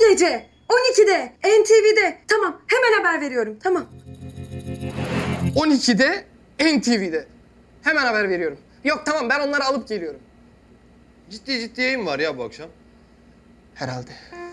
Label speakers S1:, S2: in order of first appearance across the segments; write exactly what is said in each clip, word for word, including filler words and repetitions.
S1: gece on ikide N T V'de. Tamam, hemen haber veriyorum. Tamam.
S2: on ikide N T V'de. Hemen haber veriyorum. Yok tamam, ben onları alıp geliyorum.
S3: Ciddi ciddi yayın var ya bu akşam.
S2: Herhalde.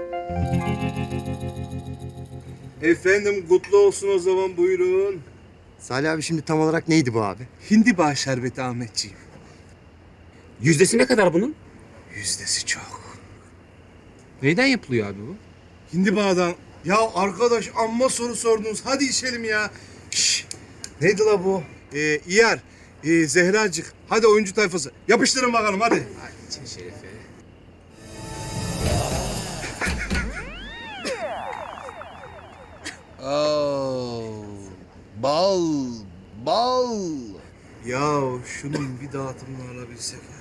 S4: Efendim kutlu olsun o zaman, buyurun.
S5: Salih abi şimdi tam olarak neydi bu abi?
S4: Hindiba şerbeti Ahmetciğim.
S6: Yüzdesi ne kadar bunun?
S4: Yüzdesi çok.
S6: Neyden yapılıyor abi bu?
S4: Hindiba'dan. Ya arkadaş amma soru sordunuz. Hadi içelim ya. Şş. Neydi la bu? Ee, İyer. Ee, Zehracık. Hadi oyuncu tayfası. Yapıştırın bakalım hadi.
S6: İçin şerefe.
S3: Oo, bal, bal.
S4: Ya şunun bir dağıtımını alabilsek ya.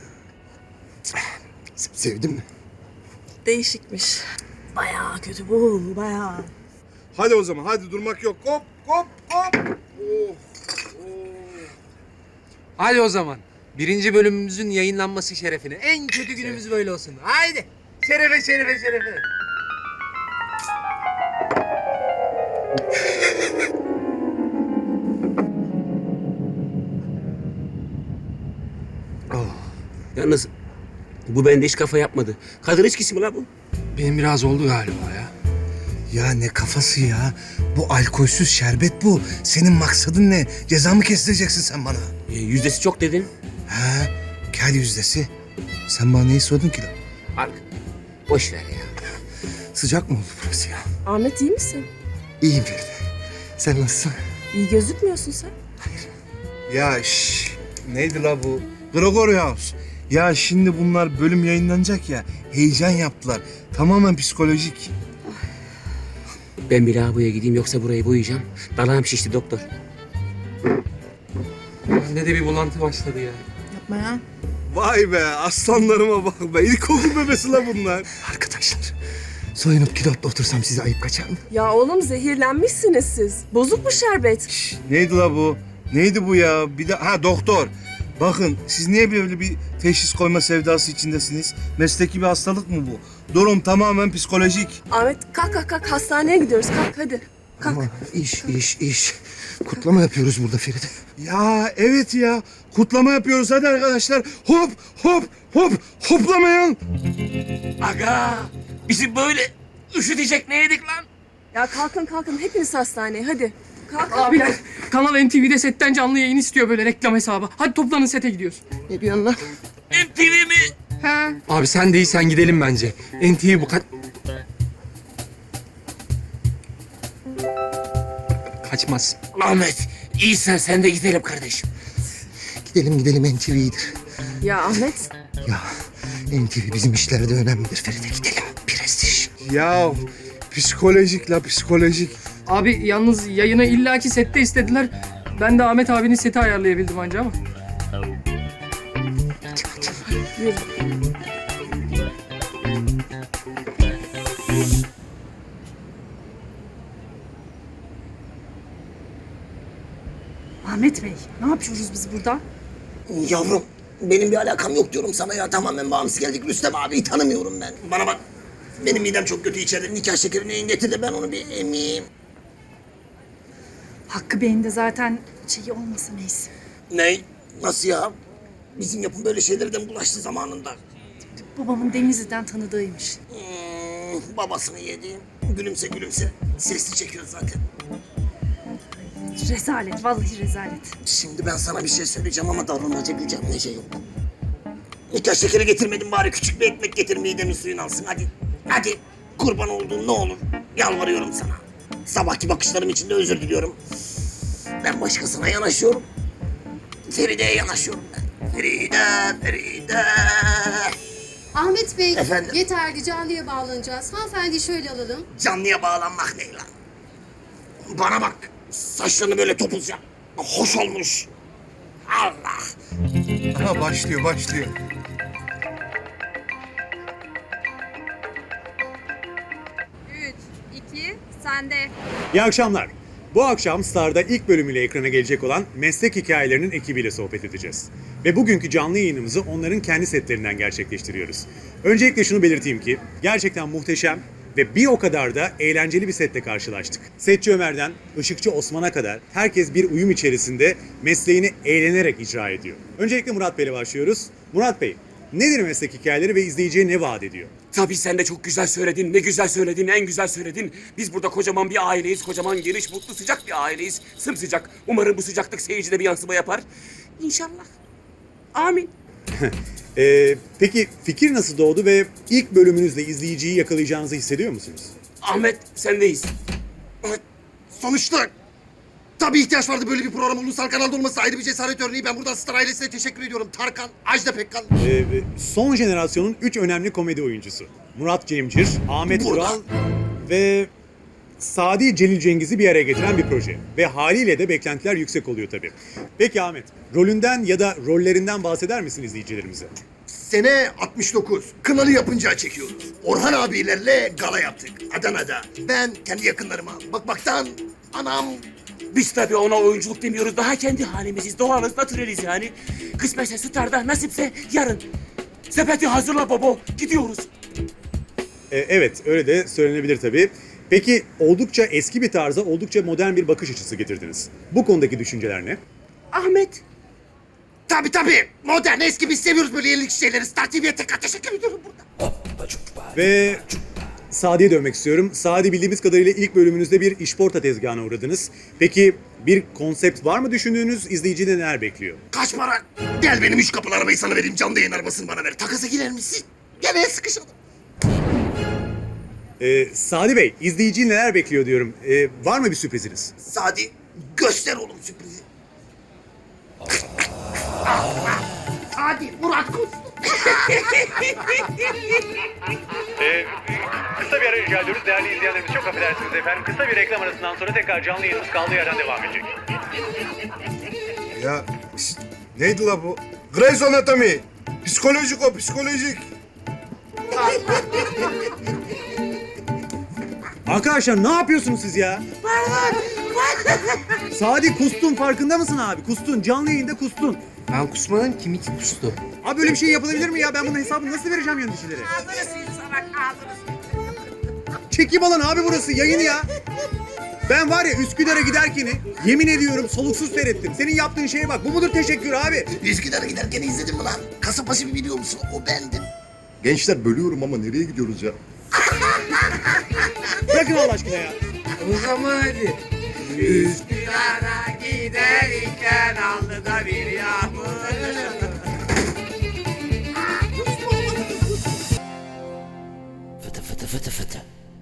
S5: Sevdin mi?
S1: Değişikmiş. Bayağı kötü bu, bayağı.
S4: Hadi o zaman, hadi durmak yok. Hop, hop, hop. Oh, oh.
S6: Hadi o zaman. Birinci bölümümüzün yayınlanması şerefine. En kötü günümüz böyle olsun. Haydi. Şerefe, şerefe, şerefe. Yalnız bu bende hiç kafa yapmadı. Kadın içkisi mi la bu?
S7: Benim biraz oldu galiba ya.
S4: Ya ne kafası ya? Bu alkolsüz şerbet bu. Senin maksadın ne? Ceza mı kestireceksin sen bana?
S6: E, yüzdesi çok dedin.
S4: Ha? Kel yüzdesi. Sen bana neyi sordun ki lan?
S6: Ark. Boş ver ya.
S4: Sıcak mı oldu burası ya?
S1: Ahmet iyi misin?
S5: İyiyim Feride. Sen nasılsın?
S1: İyi gözükmüyorsun sen.
S4: Ya şş, neydi la bu? Gregory House. Ya şimdi bunlar bölüm yayınlanacak ya. Heyecan yaptılar. Tamamen psikolojik.
S6: Ben bir lavaboya gideyim yoksa burayı boyayacağım. Dalağım şişti doktor.
S7: Bende de bir bulantı başladı ya.
S1: Yapma ya.
S4: Vay be, aslanlarıma bak be. İlkokul bebesi la bunlar.
S5: Arkadaşlar soyunup kilotla otursam size ayıp kaçar mı?
S1: Ya oğlum zehirlenmişsiniz siz. Bozuk mu şerbet?
S4: Şş, neydi la bu? Neydi bu ya? Bir de ha doktor. Bakın siz niye böyle bir teşhis koyma sevdası içindesiniz? Mesleki bir hastalık mı bu? Durum tamamen psikolojik.
S1: Ahmet kalk kalk kalk hastaneye gidiyoruz. Kalk hadi. Kalk.
S5: Ama iş iş iş. Kutlama yapıyoruz burada Feride.
S4: Ya evet ya. Kutlama yapıyoruz hadi arkadaşlar. Hop hop hop hoplamayın.
S6: Aga! Bizi böyle üşütecek ne yedik lan?
S1: Ya kalkın kalkın hepiniz hastaneye hadi. Kalk.
S7: Abiler, Kanal N T V'de setten canlı yayın istiyor böyle reklam hesabı. Hadi toplanın sete gidiyoruz.
S5: Ne diyorsun lan?
S6: M T V mi?
S7: He. Abi sen değilsen gidelim bence. N T V bu kaç... Kaçmaz.
S6: Ahmet, iyisen sen de gidelim kardeşim.
S5: Gidelim gidelim N T V iyidir.
S1: Ya Ahmet.
S5: Ya N T V bizim işlerde önemlidir Feride, gidelim. Prestij.
S4: Ya psikolojik la psikolojik.
S7: Abi yalnız yayını illaki sette istediler. Ben de Ahmet abinin seti ayarlayabildim anca ama.
S1: Yürü.
S8: Ahmet Bey, ne yapıyoruz biz burada?
S9: Yavrum, benim bir alakam yok diyorum sana ya. Tamamen bağımsız geldik. Rüstem abiyi tanımıyorum ben. Bana bak, benim midem çok kötü içeride. Nikah şekerini getir de ben onu bir emeyim.
S8: Hakkı Bey'in de zaten şeyi olmasa neyse.
S9: Ne? Nasıl ya? Bizim yapım böyle şeylerden bulaştı zamanında.
S8: Babamın Denizli'den tanıdığıymış.
S9: Hmm, babasını yedi. Gülümse gülümse. Sesli çekiyor zaten.
S8: Rezalet, vallahi rezalet.
S9: Şimdi ben sana bir şey söyleyeceğim ama davranacak gücem nece yok. Nikah şekeri getirmedim, bari küçük bir ekmek getir, midemin suyunu alsın hadi. Hadi kurban olduğum ne olur, yalvarıyorum sana. Sabahki bakışlarım için de özür diliyorum. Ben başkasına yanaşıyorum. Feride'ye yanaşıyorum ben. Feride, Feride.
S10: Ahmet Bey,
S9: Efendim?
S10: yeterli canlıya bağlanacağız. Hanımefendi şöyle alalım.
S9: Canlıya bağlanmak ne lan? Bana bak, saçlarını böyle topuz yap. Hoş olmuş. Allah.
S4: Aha başlıyor başlıyor.
S11: üç, iki, sende.
S12: İyi akşamlar. Bu akşam Star'da ilk bölümüyle ekrana gelecek olan Meslek Hikayelerinin ekibiyle sohbet edeceğiz. Ve bugünkü canlı yayınımızı onların kendi setlerinden gerçekleştiriyoruz. Öncelikle şunu belirteyim ki gerçekten muhteşem, Ve bir o kadar da eğlenceli bir setle karşılaştık. Setçi Ömer'den ışıkçı Osman'a kadar herkes bir uyum içerisinde mesleğini eğlenerek icra ediyor. Öncelikle Murat Bey'le başlıyoruz. Murat Bey, nedir meslek hikayeleri ve izleyiciye ne vaat ediyor?
S9: Tabii sen de çok güzel söyledin. Ne güzel söyledin, en güzel söyledin. Biz burada kocaman bir aileyiz. Kocaman, geniş, mutlu, sıcak bir aileyiz. Sımsıcak. Umarım bu sıcaklık seyircide bir yansıma yapar. İnşallah. Amin.
S12: Ee, peki fikir nasıl doğdu ve ilk bölümünüzde izleyiciyi yakalayacağınızı hissediyor musunuz?
S9: Ahmet, sendeyiz.
S5: Sonuçta tabii ihtiyaç vardı böyle bir program ulusal kanalda olması ayrı bir cesaret örneği. Ben buradan Star ailesine teşekkür ediyorum. Tarkan, Ajda Pekkan.
S12: Ee, son jenerasyonun üç önemli komedi oyuncusu. Murat Cemcir, Ahmet
S5: Burada.
S12: Ural ve Sadi Celil Cengiz'i bir araya getiren bir proje. Ve haliyle de beklentiler yüksek oluyor tabii. Peki Ahmet, rolünden ya da rollerinden bahseder misin izleyicilerimize?
S5: Sene altmış dokuz. Kınalı yapınca çekiyoruz. Orhan abilerle gala yaptık Adana'da. Ben kendi yakınlarıma bakmaktan anam.
S9: Biz tabii ona oyunculuk demiyoruz. Daha kendi halimiziz. Doğalız, natüreliz yani. Kısmetse Star'da, nasipse yarın. Sepeti hazırla baba. Gidiyoruz.
S12: Ee, evet, öyle de söylenebilir tabii. Peki oldukça eski bir tarza oldukça modern bir bakış açısı getirdiniz. Bu konudaki düşünceler ne?
S9: Ahmet.
S5: Tabii tabii. Modern, eski biz seviyoruz böyle yenilik şeyleri. Star T V'ye tekrar teşekkür ediyorum burada.
S12: Ve Sadi'ye dönmek istiyorum. Sadi, bildiğimiz kadarıyla ilk bölümünüzde bir işporta tezgahına uğradınız. Peki bir konsept var mı düşündüğünüz? İzleyicide neler bekliyor?
S5: Kaç para? Gel benim üç kapılı arabayı sana vereyim. Canlı yayın arabasını bana ver. Takasa girer misin? Gel el sıkışalım.
S12: Ee, Sadi Bey, izleyiciyi neler bekliyor diyorum. Ee, var mı bir sürpriziniz?
S5: Sadi göster oğlum sürprizi. Hadi Murat Kuz.
S12: Ee, kısa bir ara rica ediyoruz. Değerli izleyenlerimiz, çok affedersiniz efendim. Kısa bir reklam arasından sonra tekrar canlı yayınımız kaldığı yerden devam edecek.
S4: Ya şşt, neydi la bu? Grey's Anatomy. Psikolojik o, psikolojik.
S12: Arkadaşlar ne yapıyorsunuz siz ya? Sadi, kustun, farkında mısın abi? Kustun, canlı yayında kustun.
S6: Ben kusmadım, kim iki kustu?
S12: Abi böyle bir şey yapılabilir mi ya? Ben bunun hesabını nasıl vereceğim yöneticilere? Çekim alan abi burası, yayın ya. Ben var ya Üsküdar'a giderken yemin ediyorum soluksuz seyrettim. Senin yaptığın şeye bak. Bu mudur teşekkür abi?
S5: Üsküdar'a giderken izledin mi lan? Kasapbaşı bir biliyor musun? O bendim.
S3: Gençler bölüyorum ama nereye gidiyoruz ya?
S12: Bırakın Allah aşkına ya.
S6: O zaman hadi. Üsküdar'a giderken aldı da bir yağmur.
S9: Fıtı fıtı fıtı fıtı.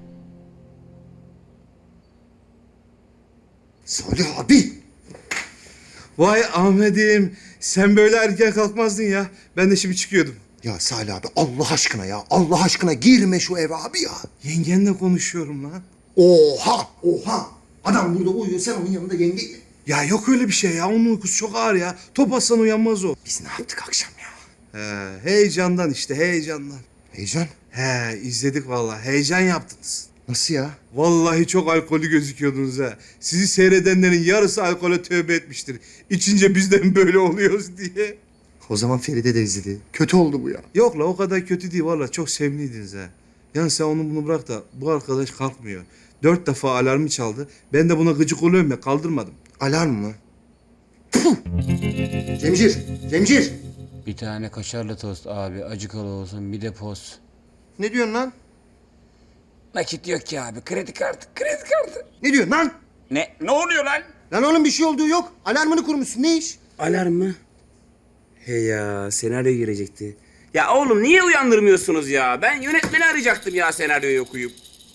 S5: Salih abi.
S4: Vay Ahmet'im. Sen böyle erken kalkmazdın ya. Ben de şimdi çıkıyordum.
S5: Ya Salih abi Allah aşkına ya. Allah aşkına girme şu eve abi ya.
S4: Yengenle konuşuyorum lan.
S5: Oha oha. Adam burada uyuyor sen onun yanında yenge.
S4: Ya yok öyle bir şey ya. Onun uykusu çok ağır ya. Top atsan uyanmaz o.
S5: Biz ne yaptık akşam ya?
S4: He, heyecandan işte heyecandan.
S5: Heyecan.
S4: He, izledik vallahi. Heyecan yaptınız.
S5: Nasıl ya?
S4: Vallahi çok alkolü gözüküyordunuz ha. Sizi seyredenlerin yarısı alkole tövbe etmiştir. İçince bizden böyle oluyoruz diye.
S5: O zaman Feride de izledi. Kötü oldu bu ya.
S4: Yok la o kadar kötü değil vallahi çok sevimliydiniz ha. Yani sen onu bunu bırak da bu arkadaş kalkmıyor. Dört defa alarmı çaldı. Ben de buna gıcık oluyorum ya kaldırmadım.
S5: Alarm mı? Puh! Cemcir, Cemcir.
S6: Bir tane kaşarlı tost abi, acıkalı olsun, bir de poz.
S5: Ne diyorsun lan?
S9: Nakit yok ki abi. Kredi kartı, kredi kartı.
S5: Ne diyorsun lan?
S9: Ne? Ne oluyor lan?
S5: Lan oğlum bir şey olduğu yok. Alarmını kurmuşsun. Ne iş?
S9: Alarm mı? He ya, senaryo girecekti. Ya oğlum niye uyandırmıyorsunuz ya? Ben yönetmeni arayacaktım ya senaryoyu okuyup.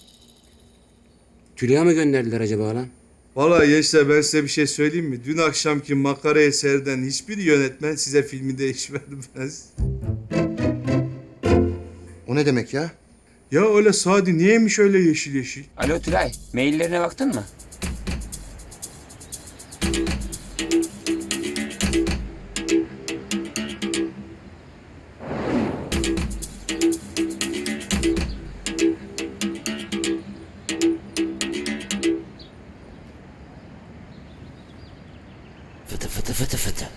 S9: Tülya mı gönderdiler acaba lan?
S4: Vallahi gençler ben size bir şey söyleyeyim mi? Dün akşamki makara eserden hiçbir yönetmen size filmi değiş vermez.
S5: O ne demek ya?
S4: Ya öyle Sadi niyeymiş öyle yeşil yeşil?
S9: Alo Tülay, maillerine baktın mı? Fıtı fıtı fıtı fıtı.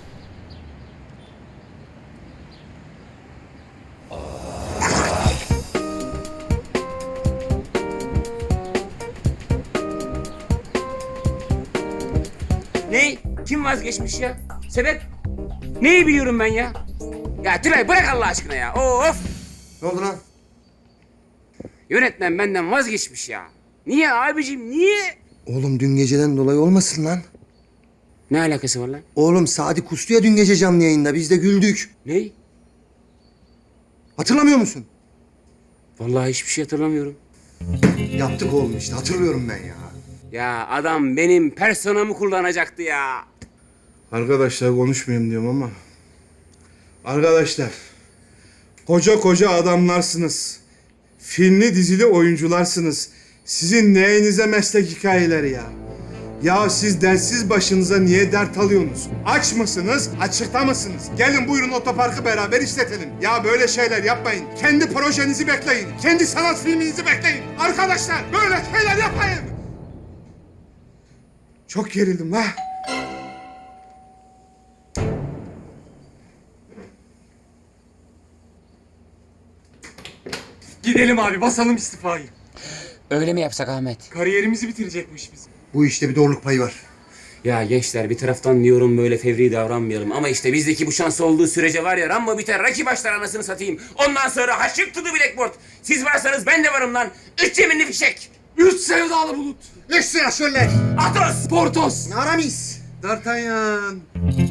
S9: Kim vazgeçmiş ya? Sebep? Neyi biliyorum ben ya? Ya Tülay bırak Allah aşkına ya. Of!
S5: Ne oldu lan?
S9: Yönetmen benden vazgeçmiş ya. Niye abicim niye?
S5: Oğlum dün geceden dolayı olmasın lan.
S9: Ne alakası var lan?
S5: Oğlum Sadi kustu ya dün gece canlı yayında. Biz de güldük.
S9: Ney?
S5: Hatırlamıyor musun?
S9: Vallahi hiçbir şey hatırlamıyorum.
S5: Yaptık oğlum işte. Hatırlıyorum ben ya.
S9: Ya adam benim personamı kullanacaktı ya.
S4: Arkadaşlar konuşmayayım diyorum ama. Arkadaşlar. Koca koca adamlarsınız. Filmli dizili oyuncularsınız. Sizin neyinize meslek hikayeleri ya? Ya siz dersiz başınıza niye dert alıyorsunuz? Aç mısınız, açıkta mısınız? Gelin buyurun otoparkı beraber işletelim. Ya böyle şeyler yapmayın. Kendi projenizi bekleyin. Kendi sanat filminizi bekleyin. Arkadaşlar böyle şeyler yapmayın. Çok gerildim ha.
S7: Gidelim abi basalım istifayı.
S9: Öyle mi yapsak Ahmet?
S7: Kariyerimizi bitirecekmiş biz.
S5: Bu işte bir doğruluk payı var.
S9: Ya gençler bir taraftan diyorum böyle fevri davranmayalım. Ama işte bizdeki bu şans olduğu sürece var ya Rambo biter, Rocky başlar anasını satayım. Ondan sonra haşık to the blackboard. Siz varsanız ben de varım lan. Üç yeminli fişek.
S7: Üç sevdalı bulut.
S5: Üç sıra şöyle.
S9: Atos.
S7: Portos.
S5: Aramis.
S4: D'Artagnan.